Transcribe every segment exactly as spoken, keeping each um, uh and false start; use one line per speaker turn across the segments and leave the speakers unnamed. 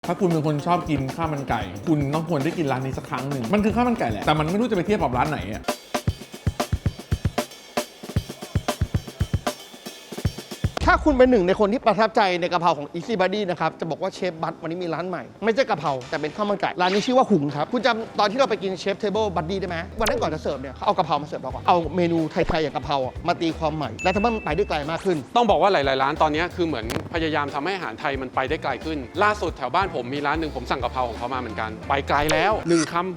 ถ้าคุณเป็นคนชอบกินข้าวมันไก่คุณต้องควรได้กินร้านนี้สักครั้งหนึ่งมันคือข้าวมันไก่แหละแต่มันไม่รู้จะไปเทียบกับร้านไหนอ่ะ
ถ้าคุณเป็นหนึ่งในคนที่ประทับใจในกะเพราของ Easy Buddy นะครับจะบอกว่าเชฟบัตวันนี้มีร้านใหม่ไม่ใช่กะเพราแต่เป็นข้าวมันไก่ร้านนี้ชื่อว่าหุงครับคุณจำตอนที่เราไปกินเชฟเทเบิลบัดดี้ได้ไหมวันนั้นก่อนจะเสิร์ฟเนี่ยเขาเอากะเพรามาเสิร์ฟเราก่อนเอาเมนูไทยๆอย่างกะเพราอะมาตีความใหม่และทำให้มันไปได้ไกลมากขึ้น
ต้องบอกว่าหลายๆร้านตอนนี้คือเหมือนพยายามทำให้อาหารไทยมันไปได้ไกลขึ้นล่าสุดแถวบ้านผมมีร้านหนึ่งผมสั่งกะเพราของเขามาเหมือนกันไปไกลแล้วหนึ่งคำ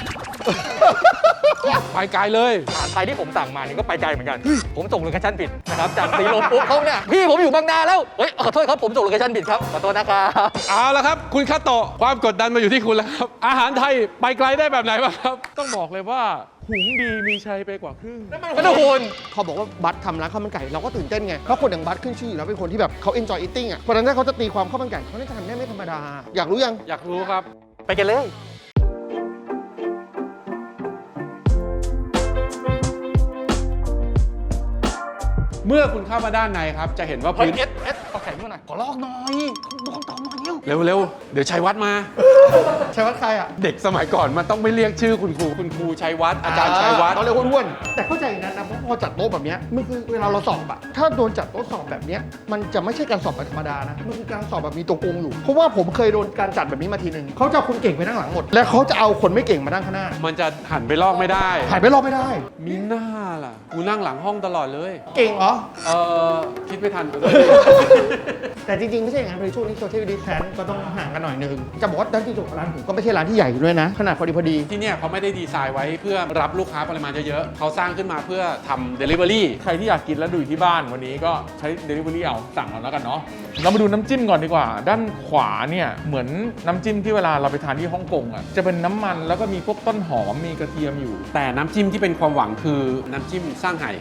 ไปไกลเลย
อาหารไทยที่ผมสั่งมานี่ก็ไปไกลเหมือนกันผมส่งโลเคชั่นผิดนะครับจากสีลมปุ๊บเขาเนี่ยพี่ผมอยู่บางนาแล้วเฮ้ยขอโทษครับผมส่งโลเคชั่นผิดครับขอโทษนะครับ
เอาละครับคุณคาโตะความกดดันมาอยู่ที่คุณแล้วครับอาหารไทยไปไกลได้แบบไหนบ้างครับ
ต้องบอกเลยว่าหุงดีมีชัยไปกว่าครึ่ง
ก็ทุกคน
เขาบอกว่าบัตทำร้านข้าวมันไก่เราก็ตื่นเต้นไงเพราะคนอย่างบัตขึ้นชื่ออยู่แล้วเป็นคนที่แบบเขา enjoy eating อ่ะเพราะฉะนั้นถ้าเขาจะตีความข้าวมันไก่เขาน่าจะทำได้ไม่ธรรมดาอยากรู้ยัง
อยากรู้ครับ
ไปกันเลย
เมื่อคุณเข้ามาด้านในครับจะเห็นว่า
เฮ้ย
พื้น
เอสเอสเอาแขนมาหน่อยขอลอกหน่อยลองต่อหน่อยเร็ว
เร็วๆเดี๋ยวชัยวัฒน์มา
ชัยวัฒน์ใครอ่ะ
เด็กสมัยก่อนมันต้องไม่เรียกชื่อคุณครูคุณครูชัยวัฒน์อาจารย์ชัยวัฒน์
เขาเรียกอ้วนๆแต่เข้าใจอย่างนั้นนะเพราะพอจัดโต๊ะแบบนี้มันคือเวลาเราสอบอะถ้าโดนจัดโต๊ะสอบแบบนี้มันจะไม่ใช่การสอบแบบธรรมดานะมันคือการสอบแบบมีตัวโกงอยู่เพราะว่าผมเคยโดนการจัดแบบนี้มาทีนึงเขาจะเอาคนเก่งไปนั่งหลังหมดและเขาจะเอาคนไม่เก่งมานั่งข้างหน้า
มันจะหันไปลอกไม่ได้
ถ่ายไปรอบไม่ได้
มีหน้าล่ะกูนั่งหลังห้องตลอดเลย
เก่งเหรอ
เออคิดไม่ทัน
แต่จริงๆไม่ใช่อย่างนั้นเลยช่วงนี้โซเชียลดิสแทนก็ต้องห่างกันหน่อยนึงจะบอกว่าด้านที่จุดร้านผมก็ไม่ใช่ร้านที่ใหญ่ด้วยนะขนาดพอดีพอดี
ที่เนี่ยเขาไม่ได้ดีไซน์ไว้เพื่อรับลูกค้าปริมาณเยอะๆเขาสร้างขึ้นมาเพื่อทำ Delivery
ใครที่อยากกินแล้วดูอยู่ที่บ้านวันนี้ก็ใช้ Delivery เอาสั่งเอาแล้วกันเนาะเรามาดูน้ำจิ้มก่อนดีกว่าด้านขวาเนี่ยเหมือนน้ำจิ้มที่เวลาเราไปทานที่ฮ่องกงอ่ะจะเป็นน้ำมันแล้วก็มีพวกต้นหอมมีกระเทียมอยู่
แต่น้ำจิ้มที่เป็นความหวังคือน้ำจิ้มสร้างไห่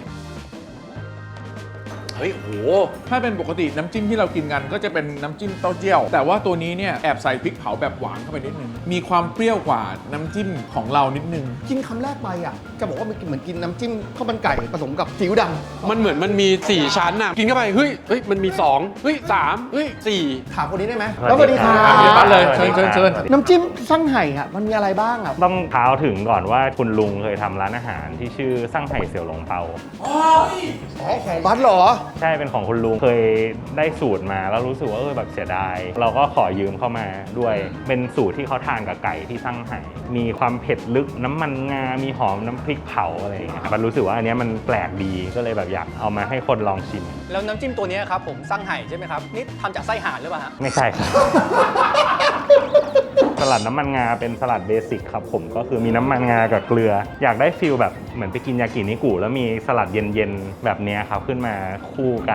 เฮ้ยโห
ถ้าเป็นปกติน้ำจิ้มที่เรากินกันก็จะเป็นน้ำจิ้มเต้าเจี้ยวแต่ว่าตัวนี้เนี่ยแอบใส่พริกเผาแบบหวานเข้าไปนิดนึงมีความเปรี้ยวกว่าน้ำจิ้มของเรานิดนึง
กินคำแรกไปอ่ะจะบอกว่ามันเหมือนกินน้ำจิ้มข้าวมันไก่ผสมกับซีอิ๊วดำ
มันเหมือนมันมีสี่ชั้นน่ะกินเข้าไปเฮ้ยเฮ้ยมันมีสองเฮ้ยสามเฮ้ยสี่
ถามคนนี้ได้ไหม
สวัสดีครับ
เดี๋ยวปั้นเลยเชิญเชิญเชิญ
น้ำจิ้มซั่งไห่อ่ะมันมีอะไรบ้างอ่ะ
ต้องเท้าถึงก่อนว่าคุณลุงเคยทำร้านอาหารที่ชื่อซั่งไห่เสี่ยวหลงเปา
อ๋อของบัสเหรอ
ใช่เป็นของคุณลุงเคยได้สูตรมาแล้วรู้สึกว่าเออแบบเสียดายเราก็ขอยืมเข้ามาด้วยเป็นสูตรที่เขาทานกับไก่ที่ซั่งไห่มีความเผ็ดลึกน้ำมันงา มีหอมน้ำพริกเผาอะไรอย่างเงี้ยครับรู้สึกว่าอันนี้มันแปลกดีก็เลยแบบอยากเอามาให้คนลองชิม
แล้วน้ำจิ้มตัวนี้ครับผมซั่งไห่ใช่ไหมครับนี่ทำจากไส้ห่านหรือเปล่าฮะ
ไม่ใช่ครับ สลัดน้ำมันงาเป็นสลัดเบสิกครับผมก็คือมีน้ำมันงากับเกลืออยากได้ฟิลแบบเหมือนไปกินยากินิกุแล้วมีสลัดเย็นๆแบบนี้ครับขึ้นมาคู่กัน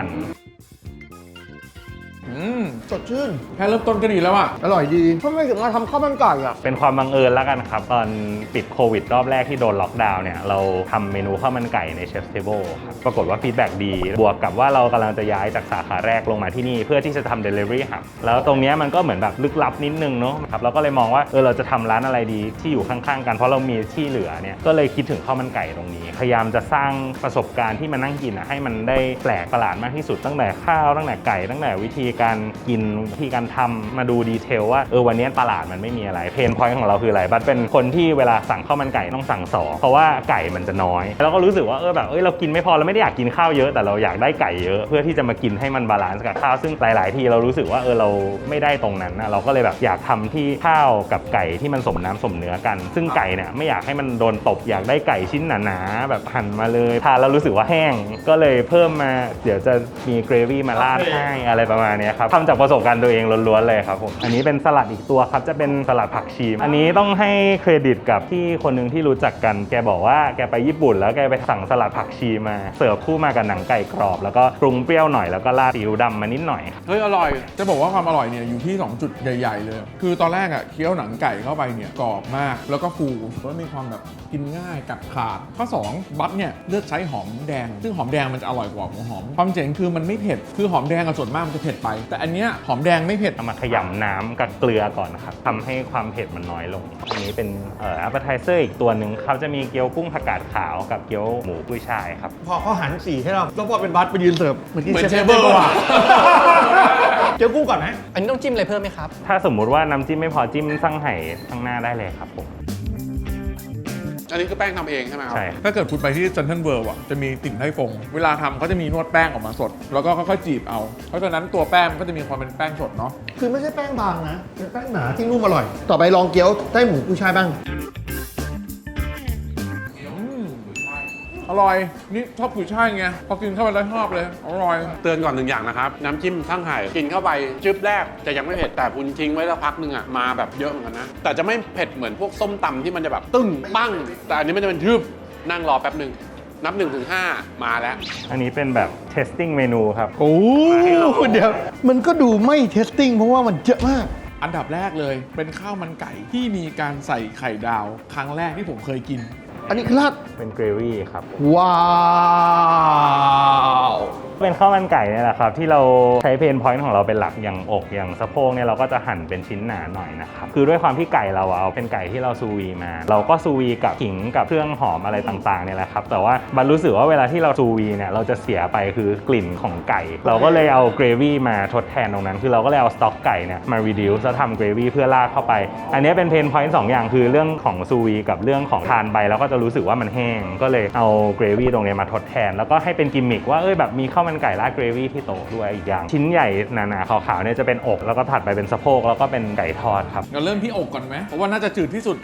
สดชื่น
แค่เริ่มต้นก็ดีแล้วอ่ะ
อร่อยดีทำไมถึงมาทำข้าวมันไก่อ่ะ
เป็นความบังเอิญแล้วกันครับตอนปิดโควิดรอบแรกที่โดนล็อกดาวน์เนี่ยเราทำเมนูข้าวมันไก่ในเชฟเทเบิลครับปรากฏว่าฟีดแบ็กดีบวกกับว่าเรากำลังจะย้ายจากสาขาแรกลงมาที่นี่เพื่อที่จะทำ Delivery ครับแล้วตรงนี้มันก็เหมือนแบบลึกลับนิดนึงเนาะครับเราก็เลยมองว่าเออเราจะทำร้านอะไรดีที่อยู่ข้างๆกันเพราะเรามีที่เหลือเนี่ยก็เลยคิดถึงข้าวมันไก่ตรงนี้พยายามจะสร้างประสบการณ์ที่มานั่งกินให้มันได้แปลกประหลาดมากที่สุดตั้งแต่ข้าวตั้งแต่ไก่ตั้งแต่วิธีการกินวิธีการทำมาดูดีเทลว่าเออวันนี้ตลาดมันไม่มีอะไรเพนพอยต์ของเราคืออะไรบัดเป็นคนที่เวลาสั่งข้าวมันไก่ต้องสั่งสองเพราะว่าไก่มันจะน้อยแล้วก็รู้สึกว่าเออแบบเอ้ยเรากินไม่พอเราไม่ได้อยากกินข้าวเยอะแต่เราอยากได้ไก่เยอะเพื่อที่จะมากินให้มันบาลานซ์กับข้าวซึ่งหลายๆทีเรารู้สึกว่าเออเราไม่ได้ตรงนั้นนะเราก็เลยแบบอยากทำที่ข้าวกับไก่ที่มันสมน้ำสมเนื้อกันซึ่งไก่เนี่ยไม่อยากให้มันโดนตบอยากได้ไก่ชิ้นหนาๆแบบหั่นมาเลยทานแล้วรู้สึกว่าแห้งก็เลยเพิ่มมาเดี๋ยวจะมีเกรวี่มาราดให้อะไรประมาณนี้ครับทำจากประสบการณ์ตัวเองล้วนๆเลยครับผมอันนี้เป็นสลัดอีกตัวครับจะเป็นสลัดผักชีอันนี้ต้องให้เครดิตกับที่คนหนึ่งที่รู้จักกันแกบอกว่าแกไปญี่ปุ่นแล้วแกไปสั่งสลัดผักชีมาเสิร์ฟคู่มากับหนังไก่กรอบแล้วก็ปรุงเปรี้ยวหน่อยแล้วก็ราดซีอิ๊วดำมานิดหน่อย
เฮ้ยอร่อยจะบอกว่าความอร่อยเนี่ยอยู่ที่สองจุดใหญ่ๆเลยคือตอนแรกอ่ะเคี้ยวหนังไก่เข้าไปเนี่ยกรอบมากแล้วก็ฟูแล้วมีความแบบกินง่ายกัดขาดข้อสองบัตเนี่ยเลือกใช้หอมแดงซึ่งหอมแดงมันจะอร่อยกว่าหัวหอมความเจ๋งคือมันไม่เผ็ดคือหอมแดงกับส่วนมากมันจะเผ็ดไปแต่อันเนี้ยหอมแดงไม่เผ็ด
เอามาขยำน้ำกับเกลือก่อนนะครับทำให้ความเผ็ดมันน้อยลงอันนี้เป็นเอ่อ appetizer อีกตัวหนึ่งเขาจะมีเกี๊ยวกุ้งผักกาดขาวกับเกี๊ยวหมูกุ้ยช่ายครับ
พอเขาหันสีให้เราแล้วพอเป็นบัสไปยืนเสิร์ฟเหมือนกินเชฟเบิลว่ะเกี๊ยวกุ้งก่อนไหม
อันนี้ต้องจิ้มอะไรเพิ่มไหมครับ
ถ้าสมมุติว่าน้ำจิ้มไม่พอจิ้มซั่งไห่ข้างหน้าได้เลยครับผม
อันนี้คือแป้งทำเองใช่ไหมครับ
ใช่
ถ้าเกิดคุณไปที่เซนทรัลเวิลด์อ่ะจะมีติ่งไทฟง เวลาทำเขาจะมีนวดแป้งออกมาสด แล้วก็ค่อยๆจีบเอา เพราะฉะนั้นตัวแป้งมันก็จะมีความเป็นแป้งสดเนาะ
คือไม่ใช่แป้งบางนะ เป็นแป้งหนาที่นุ่มอร่อย ต่อไปลองเกี๊ยวไต้หมูกุ้ยช่ายบ้าง
อร่อย นี่ชอบกุยช่ายไง พอกินเข้าไปแล้วชอบเลย อร่อย
เตือนก่อนหนึ่งอย่างนะครับ น้ำจิ้มทั้งไห่กินเข้าไปจึ๊บแรกจะยังไม่เผ็ดแต่คุณทิ้งไว้สักพักหนึ่งอ่ะมาแบบเยอะเหมือนกันนะ แต่จะไม่เผ็ดเหมือนพวกส้มตำที่มันจะแบบตึ้งปั้ง แต่อันนี้มันจะเป็นทึบนั่งรอแป๊บหนึ่งนับหนึ่งถึงห้ามาแล้ว
อันนี้เป็นแบบ testing เมนูครับ
โอ้เดี๋ยว มันก็ดูไม่เทสติ้งเพราะว่ามันเยอะมาก
อันดับแรกเลย เป็นข้าวมันไก่ที่มีการใส่ไข่ดาว ครั้งแรกที่ผมเคยกิน
อันนี้คือราด
เป็นเกรวี่ครับ
ว้าว
เป็นข้าวมันไก่เนี่ยแหละครับที่เราใช้เพนพอยต์ของเราเป็นหลักอย่างอกอย่างสะโพกเนี่ยเราก็จะหั่นเป็นชิ้นหนาหน่อยนะครับคือด้วยความที่ไก่เราอะเอาเป็นไก่ที่เราซูวีมา เราก็ซูวีกับขิงกับเครื่องหอมอะไรต่างๆเนี่ยแหละครับแต่ว่าบันรู้สึกว่าเวลาที่เราซูวีเนี่ยเราจะเสียไปคือกลิ่นของไก่ เราก็เลยเอาเกรวี่มาทดแทนตรงนั้น คือเราก็เลยเอาสต็อกไก่เนี่ยมา reduce แล้วทำเกรวี่เพื่อราดเข้าไปอันนี้เป็นเพนพอยต์สองอย่างคือเรื่องของซูวีกับเรื่องของทานไปแล้วก็จะรู้สึกว่ามันแห้งก็เลยเอาเกรวี่ตรงนี้มาทดแทนแล้วก็ให้เป็นกิมมิคว่าเอ้ยแบบมีข้าวมันไก่ราดเกรวี่ที่โต๊ะด้วยอีกอย่างชิ้นใหญ่หนาๆขาวๆเนี่ยจะเป็นอกแล้วก็ถัดไปเป็นสะโพกแล้วก็เป็นไก่ทอดครับ
เราเริ่มที่อกก่อนไหม เพราะว่าน่าจะจืดที่สุด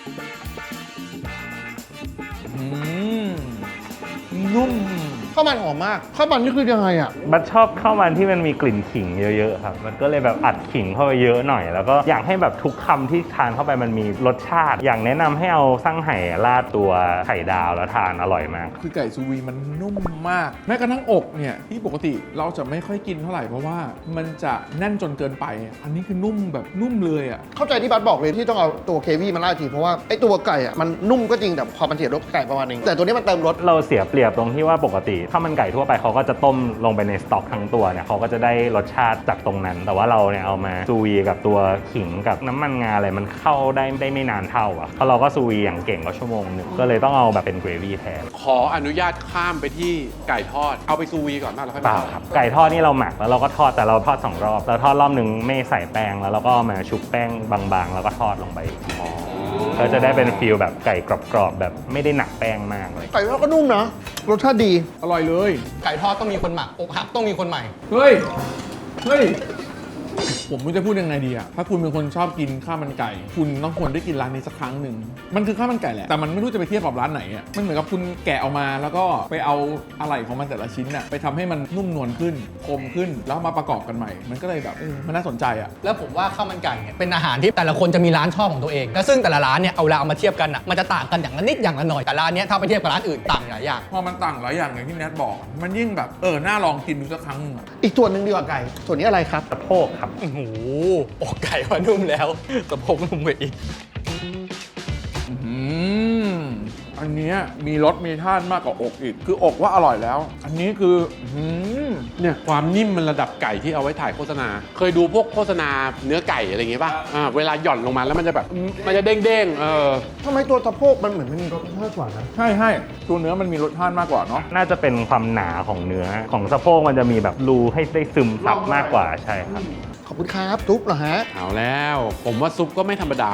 อืม นุ่ม
ข้าวมันหอมมาก ข้าวมันนี่คือยังไงอ่ะ
บัดชอบข้าวมันที่มันมีกลิ่นขิงเยอะๆครับมันก็เลยแบบอัดขิงเข้าไปเยอะหน่อยแล้วก็อยากให้แบบทุกคำที่ทานเข้าไปมันมีรสชาติ อย่างแนะนำให้เอาซั่งไห่ราดตัวไข่ดาวแล้วทานอร่อยมาก
คือไก่ซูวีมันนุ่มมาก แม้กระทั่งอกเนี่ยที่ปกติเราจะไม่ค่อยกินเท่าไหร่เพราะว่ามันจะแน่นจนเกินไป อันนี้คือนุ่มแบบนุ่มเลยอ่ะ
เข้าใจที่บัสบอกเลยที่ต้องเอาตัวเควี่มาราดทีเพราะว่าไอ้ตัวไก่อ่ะมันนุ่มก็จริงแต่ความมันเสียรสไก่ประมาณนึงแต่ตัวนี้มันเติมรส
เราเสียเปรียบตรงที่ว่าปกติข้าวมันไก่ทั่วไปเขาก็จะต้มลงไปในสต็อกทั้งตัวเนี่ยเขาก็จะได้รสชาติจากตรงนั้น แต่ว่าเราเนี่ยเอามาซูวีกับตัวขิงกับน้ำมันงาอะไรมันเข้าได้ได้ไม่นานเท่าอ่ะเพราะเราก็ซูวีอย่างเก่งก็ชั่วโมงหนึงก็เลยต้องเอาแบบเป็นเกรวี่แทน
ขออนุญาตข้ามไปที่ไก่ทอดเอาไปซูวีก่อนนะแล้วค่อย
เป
มา
ล่าครับไก่ทอดนี่เราหมักแล้วเราก็ทอดแต่เราทอดสองรอบเราทอดรอบหนึ่งไม่ใส่แป้งแล้วเราก็เอามาชุบแป้งบางๆ แล้วก็ทอดลงไปก็จะได้เป็นฟีลแบบไก่กรอบๆแบบไม่ได้หนักแป้งมากเลย
ไก่ทอดก็นุ่มนะรสชาติดี
อร่อยเลย
ไก่ทอดต้องมีคนหมักอกหักต้องมีคนใหม่
เฮ้ย เฮ้ย ผมไม่รู้จะพูดยังไงดีอะถ้าคุณเป็นคนชอบกินข้าวมันไก่ คุณต้องควรได้กินร้านนี้สักครั้งหนึ่ง มันคือข้าวมันไก่แหละ แต่มันไม่รู้จะไปเทียบกับร้านไหนอะมันเหมือนกับคุณแกะออกมาแล้วก็ไปเอาอะไหล่ของมันแต่ละชิ้นอะไปทำให้มันนุ่มนวลขึ้น คมขึ้น แล้วมาประกอบกันใหม่ มันก็เลยแบบเออมันน่าสนใจอะ
แล้วผมว่าข้าวมันไก่เนี่ยเป็นอาหารที่แต่ละคนจะมีร้านชอบของตัวเองแล้วซึ่งแต่ละร้านเนี่ยเอาเวลาเอามาเทียบกันอ่ะมันจะต่างกันอย่างละนิดอย่างละหน่อยแต่ร้านเนี้ยถ้าไปเทียบกับร้านอื่นต่างหลายอย่าง
พอมันต่างหลายอย่างอย่างที่แนทบอก มันยิ่งแบบเออน่าลองกินดูสักครั้งหนึ่งอะ
อีกส่วนหนึ่งดีกว่าไก่ ส่วนนี้อะไรครับ
สะโพกครับ
โอ้โหอกไก่ว่านุ่มแล้วสะโพกนุ่มกว่าอีก
อืมอันเนี้ยมีรสมีท่านมากกว่าอกอีก คืออกว่าอร่อยแล้ว อันนี้คืออืม
เนี่ยความนิ่มมันระดับไก่ที่เอาไว้ถ่ายโฆษณา เคยดูพวกโฆษณาเนื้อไก่อะไรอย่างเงี้ยป่ะอ่าเวลาหย่อนลงมาแล้วมันจะแบบมันจะเด้งๆเออ
ทำไมตัวสะโพกมันเหมือนมันมีรสชาติกว่านะ
ใช่ใช่ตัวเนื้อมันมีรสชาติมากกว่าเนาะ
น่าจะเป็นความหนาของเนื้อของสะโพกมันจะมีแบบรูให้ได้ซึมซับมากกว่าใช่ครับ
ขอบคุณครับซุปเหรอฮะ
เอาแล้ว ผมว่าซุปก็ไม่ธรรมดา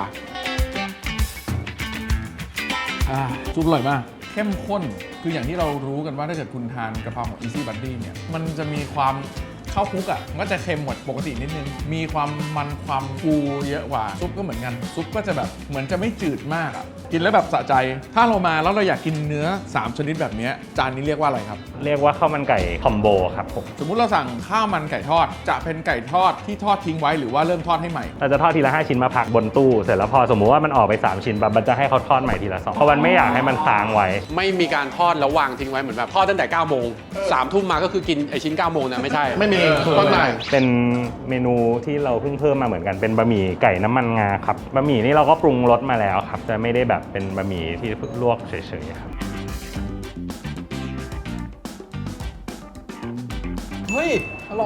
อ่าซุปอร่อยมาก เข้มข้น คืออย่างที่เรารู้กันว่าถ้าเกิดคุณทานกะเพราของ Easy Buddy เนี่ย มันจะมีความข้าวคลุกอ่ะมันก็จะเค็มกว่าปกตินิดนึง มีความมันความฟูเยอะกว่า ซุปก็เหมือนกัน ซุปก็จะแบบเหมือนจะไม่จืดมากอ่ะ กินแล้วแบบสะใจ ถ้าเรามาแล้วเราอยากกินเนื้อสามชนิดแบบเนี้ยจานนี้เรียกว่าอะไรครับ
เรียกว่าข้าวมันไก่คอมโบครับผม
สมมุติเราสั่งข้าวมันไก่ทอด จะเป็นไก่ทอดที่ทอดทิ้งไว้หรือว่าเริ่มทอดให้ใหม่
เราจะทอดทีละห้าชิ้นมาพักบนตู้เสร็จแล้วพอสมมุติว่ามันออกไปสามชิ้นปั๊บมันจะให้เขาทอดใหม่ทีละสองเพราะมันไม่อยากให้มันค้างไว้
ไม่มีการทอดแล้ววางทิ้งไว้เหมือนแบบทอดตั้งแต่เก้าโมงสามทุ่มมาก็คือกินไอชิ้นเก้าโมงนะไม่ใช่
ไม่มี
เออ
ต้นไม้
เป็นเมนูที่เราเพิ่งเพิ่มมาเหมือนกันเป็นบะหมี่ไก่น้ำมันงาครับบะหมี่นี่เราก็ปรุงรสมาแล้วครับจะไม่ได้แบบเป็นบะหมี่ที่ลวกเฉยๆครับ
เฮ้ย อร่อย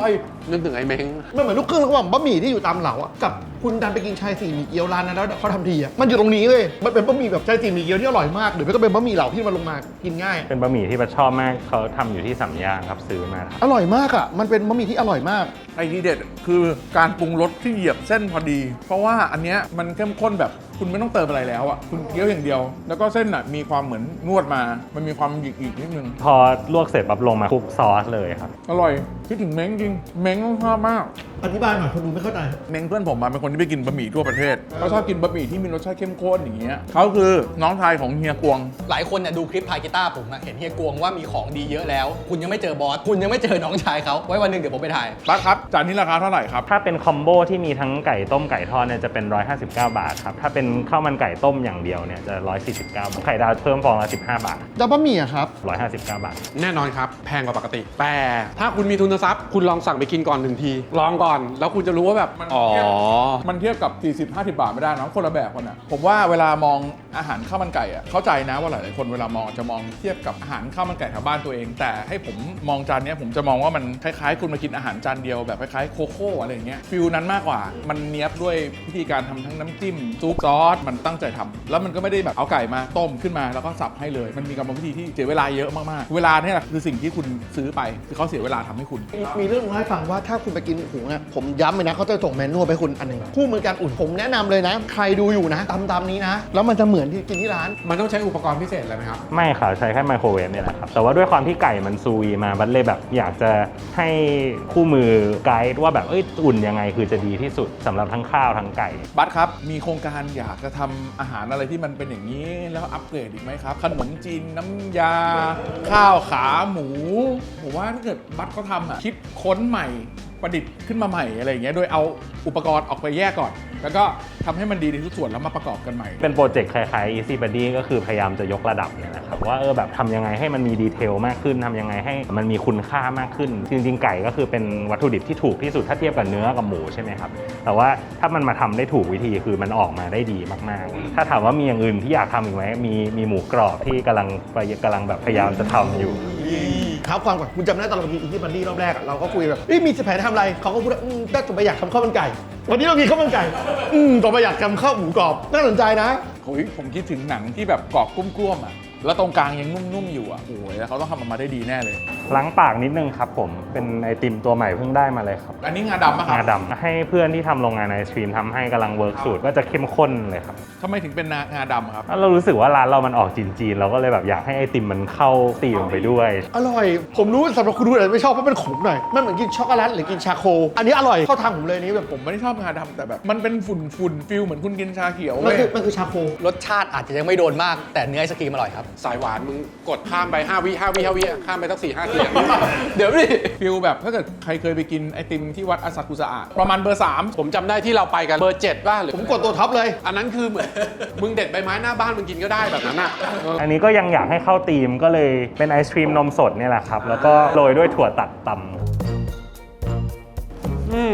นึกถึงไอ้เม้ง
มันเหมือนลูกครึ่งระหว่างบะหมี่ที่อยู่ตามเหลาอะกับคุณดันไปกินชายสี่หมี่เกี๊ยวร้านนั้นแล้วเขาทำทีอะมันอยู่ตรงนี้เว้ยมันเป็นบะหมี่แบบชายสี่หมี่เกี๊ยวที่อร่อยมากหรือไม่ก็เป็นบะหมี่เหลาที่มันลงมากินง่าย
เป็นบะหมี่ที่ประชอบมากเขาทำอยู่ที่สามย่านครับซื้อมาครับ
อร่อยมากอะมันเป็นบะหมี่ที่อร่อยมาก
ไอ้ที่เด็ดคือการปรุงรสที่เหยียบเส้นพอดี เพราะว่าอันเนี้ยมันเข้มข้นแบบคุณไม่ต้องเติมอะไรแล้วอ่ะคุณเคี้ยวอย่างเดียว แล้วก็เส้นอ่ะมีความเหมือนนวดมา มันมีความหยิกอีกนิดนึง
พอลวกเสร็จปั๊บลงมาคลุกซอสเลยครับ
อร่อยคิดถึงเม้งจริงเม้งชอบมาก
อธิบายหน่อยคนดูไม่เข้าใจ
เม้งเพื่อนผมมาเป็นคนที่ไปกินบะหมี่ทั่วประเทศเขาชอบกินบะหมี่ที่มีรสชาติเข้มข้นอย่างเงี้ยเขาคือน้องชายของเฮียกวง
หลายคนเนี่ยดูคลิปพายกีตาร์ผมอะเห็นเฮียกวงว่ามีของดีเยอะแล้ว คุณยังไม่เจอบอสคุณยังไม่เจอน้องชายเขาไว้วันหนึ่งเดี๋ยวผมไปถ่าย
บัสครับจานนี้ราคาเท่าไหร่ครับ
ถ้าเป็นคอมโบที่มีทั้งไก่ต้มไก่ทอดเนี่ยจะเป็นหนึ่งร้อยห้าสิบเก้าบาทครับถ้าเป็นข้าวมันไก่ต้มอย่างเดียวเนี่ยจะหนึ่งร้อยสี่สิบเก้าบาทไข่ดาวเพิ่มฟองละสิบห้าบาท
แล้วบะหมี่อะครับ
หนึ่งร้อยห้าสิบเก้าบาท
แน่นอนครับ แพงกว่าปกติ แต่ถ้าคุณมีทุนทรัพย์ คุณลองสั่งไปกินก่อนหนึ่งที ลองก่อน แล้วคุณจะรู้ว่าแบบ
มัน
อ๋อ
เทียบ มันเทียบกับ สี่สิบ ห้าสิ บาทไม่ได้นะคนละแบบกันนะผมว่าเวลามองอาหารข้าวมันไก่อะเข้าใจนะว่าหลายๆคนเวลามองจะมองเทียบกับอาหารข้าวมันไก่แถวบ้านตัวเอง แต่ให้ผมมองจานเนี้ยผมจะมองว่ามันคล้ายๆ คุณมากินอาหารจานเดียวแบบคล้ายๆโคโค่อะไรอย่างเงี้ยฟิลนั้นมากกว่ามันเนี้ยบด้วยวิธีการทำทั้งน้ำจิ้มซุปซอสมันตั้งใจทำแล้วมันก็ไม่ได้แบบเอาไก่มาต้มขึ้นมาแล้วก็สับให้เลย มันมีกรรมวิธีที่เสียเวลาเยอะมากๆเวลาเนี่ยแหละคือสิ่งที่คุณซื้อไปคือเขาเสียเวลาทำให้คุณ
มีเรื่องมาให้ฟังว่าถ้าคุณไปกินหุงอะผมย้ำเลยนะเขาจะส่งแมนนวลไปคุณอันหนึ่งคู่มือการอุ่นผมแนะนำเลยนะ ใครดูอยู่นะตามตามนี้นะ แล้วมันจะเหมือนที่กินที่ร้าน
มันต้องใช้อุปกรณ์พิเศษอะไรไหมครับ
ไม่ค่ะใช้แค่ไมโครเวฟเนี่ยแหละครับแต่ว่าด้วยความที่ไก่มันซูวีมาบัดเลยแบบอยากจะให้คู่มือไกด์ว่าแบบเอ้ยอุ่นยังไงคือจะดีที่สุดสำหรับทั้งข้าวทั้งไก่
บัสครับ มีโครงการอยากจะทำอาหารอะไรที่มันเป็นอย่างนี้ แล้วอัปเกรดอีกไหมครับ ขนมจีนน้ำยา ข้าวขาหมู ผมว่าถ้าเกิดบัสเขาทำอ่ะ คิดค้นใหม่ประดิษฐ์ขึ้นมาใหม่อะไรอย่างเงี้ย โดยเอาอุปกรณ์ออกไปแยกก่อน แล้วก็ทำให้มันดีในทุกส่วนแล้วมาประกอบกันใหม่
เป็นโปรเจกต์คล้ายๆ Easy Buddy ก็คือพยายามจะยกระดับเนี่ยนะครับว่าเออแบบทำยังไงให้มันมีดีเทลมากขึ้นทำยังไงให้มันมีคุณค่ามากขึ้น จริงๆไก่ก็คือเป็นวัตถุดิบที่ถูกที่สุดถ้าเทียบกับเนื้อกับหมูใช่ไหมครับแต่ว่าถ้ามันมาทำได้ถูกวิธีคือมันออกมาได้ดีมากๆ ถ้าถามว่ามีอย่างอื่นที่อยากทำอีกไหมมีมีหมูกรอบที่กำลังกำลังแบบพยายามจะทำอยู่
ครับความก่อนคุณจำได้ตอนเรากินอินดี้บันดี้รอบแรกอะเราก็คุยแบบเอ้ยมีแผนทำอะไรเขาก็พูดว่าอืมก็ต่อไปอยากทำข้าวมันไก่ วันนี้เรากินข้าวมันไก่อืมต่อไปอยากทำข้าวหมูกรอบน่าสนใจนะ
โอ้ยผมคิดถึงหนังที่แบบกรอบกุ้มๆอ่ะ แล้วตรงกลางยังนุ่มๆอยู่อ่ะ โอ้ยแล้วเขาต้องทำออกมาได้ดีแน่เลย
ล้างปากนิดนึงครับผมเป็นไอติมตัวใหม่เพิ่งได้มาเลยครับ
อันนี้งาดำปะครั
งา
บ
ดำให้เพื่อนที่ทำโรงงานไอศครีมทำให้กำลังเวิร์กสูตรก็จะเข้มข้นเลยครับ
ทำไมถึงเป็นงาดำครับ
แล้วเรารู้สึกว่าร้านเรามันออกจีนๆเราก็เลยแบบอยากให้ไอติมมันเข้าตีมไปด้วย
อร่อย ผมรู้สำหรับคุณดูอาจจะไม่ชอบเพราะเป็นขมหน่อยมันเหมือนกินช็อกโกแลตหรือกินชาโค อันนี้อร่อยเข้าทางผมเลยนี่แบบ
ผมไม่ได้ชอบงาดำแต่แบบ มันเป็นฝุ่นฝุ่นๆฟิลเหมือนคุณกินชาเขียว
มัน
เว้ย
คือมันคือชาโค
รสชาติอาจจะยังไม่โดนมาก แต่เนื้อไอศกรีมอร่อยครับ
สายหวานมึงกดข้ามไปห้าวิห้าวิห้าวิข้ามไปสักสี่ห้าเสียง
เดี๋ยวดิ
ฟิลแบบถ้าเกิดใครเคยไปกินไอติมที่วัดอาซากุสะอะประมาณเบอร์สาม
ผมจำได้ที่เราไปกันเบอร์เจ็ดป่ะหรือ
ผมกดตัวท็อปเลย
อันนั้นคือเหมือน มึงเด็ดใบไม้หน้าบ้านมึงกินก็ได้แบบนั้นอ่ะเออ
อันนี้ก็ยังอยากให้เข้าตีมก็เลยเป็นไอศครีมนมสดเนี่ยแหละครับแล้วก็โรยด้วยถั่วตัดตำ
อืม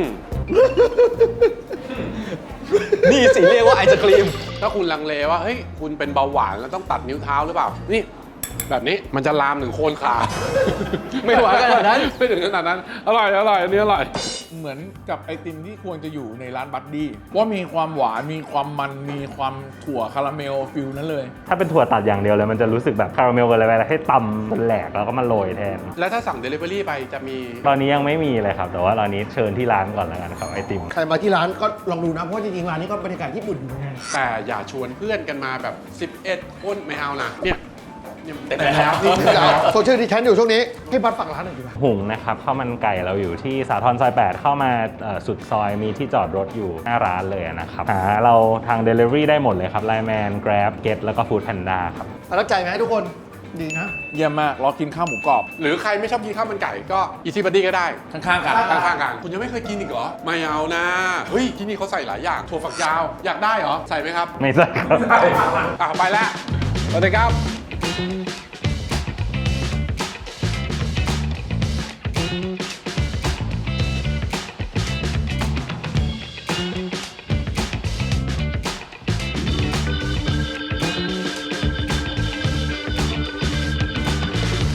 นี่สิเรียกว่าไอศกรีม
ถ้าคุณลังเลว่าเฮ้ยคุณเป็นเบาหวานแล้วต้องตัดนิ้วเท้าหรือเปล่า นี่ แบบนี้มันจะลามถึงโคนขา
ไม่หวานขนาดนั้น
ไม่ถึงขนาดนั้น อร่อยอร่อยอันนี้อร่อย
เหมือนกับไอติมที่ควรจะอยู่ในร้านบัดดี้ว่ามีความหวานมีความมันมีความถั่วคาราเมลฟิลนั้นเลย
ถ้าเป็นถั่วตัดอย่างเดียวเลยมันจะรู้สึกแบบคาราเมลกันเลยไปแล้วให้ตำเป็นแหลกแล้วก็มาโรยแทน
แล้วถ้าสั่ง Delivery ไปจะมี
ตอนนี้ยังไม่มีเลยครับ แต่ว่าตอนนี้เชิญที่ร้านก่อนแล้วกันครับไอติม
ใครมาที่ร้านก็ลองดูนะ เพราะว่าจริงๆร้านนี้ก็บรรยากาศญี่ปุ่นอยู่เหมือนกัน
แต่อย่าชวนเพื่อนกันมาแบบ สิบเอ็ด คนไม่เอานะ เนี่ยเนี่ยเต็ม
แต่
แล้ว
ที่โซเชียลดิแทนอยู่ช่วงนี้ให้บัตรฝากร้านหน่อยดีกว่า
หุงนะครับข้าวมันไก่เราอยู่ที่สาทรซอยแปดเข้ามาเอ่อสุดซอยมีที่จอดรถอยู่หน้าร้านเลยนะครับหาเราทาง Delivery ได้หมดเลยครับ ไลน์แมน Grab Get แล้วก็ Food Panda ครับ
ประทับใจไหมทุกคนดีนะ
เยี่ยมมากรอกินข้าวหมูกรอบ
หรือใครไม่ชอบกินข้าวมันไก่ก็ Easy Buddy ก็ได้
ข้างๆกัน
ข้างๆกัน คุณยังไม่เคยกินอีกเหรอ ไม่เอานะ เฮ้ย ที่นี่เขาใส่หลายอย่าง ถั่วฝักยาว อยากได้เหรอ ใส่ไหมครับ
ไม่ใช่ครับ
อ่ะไปแล้วสวัสดีครับ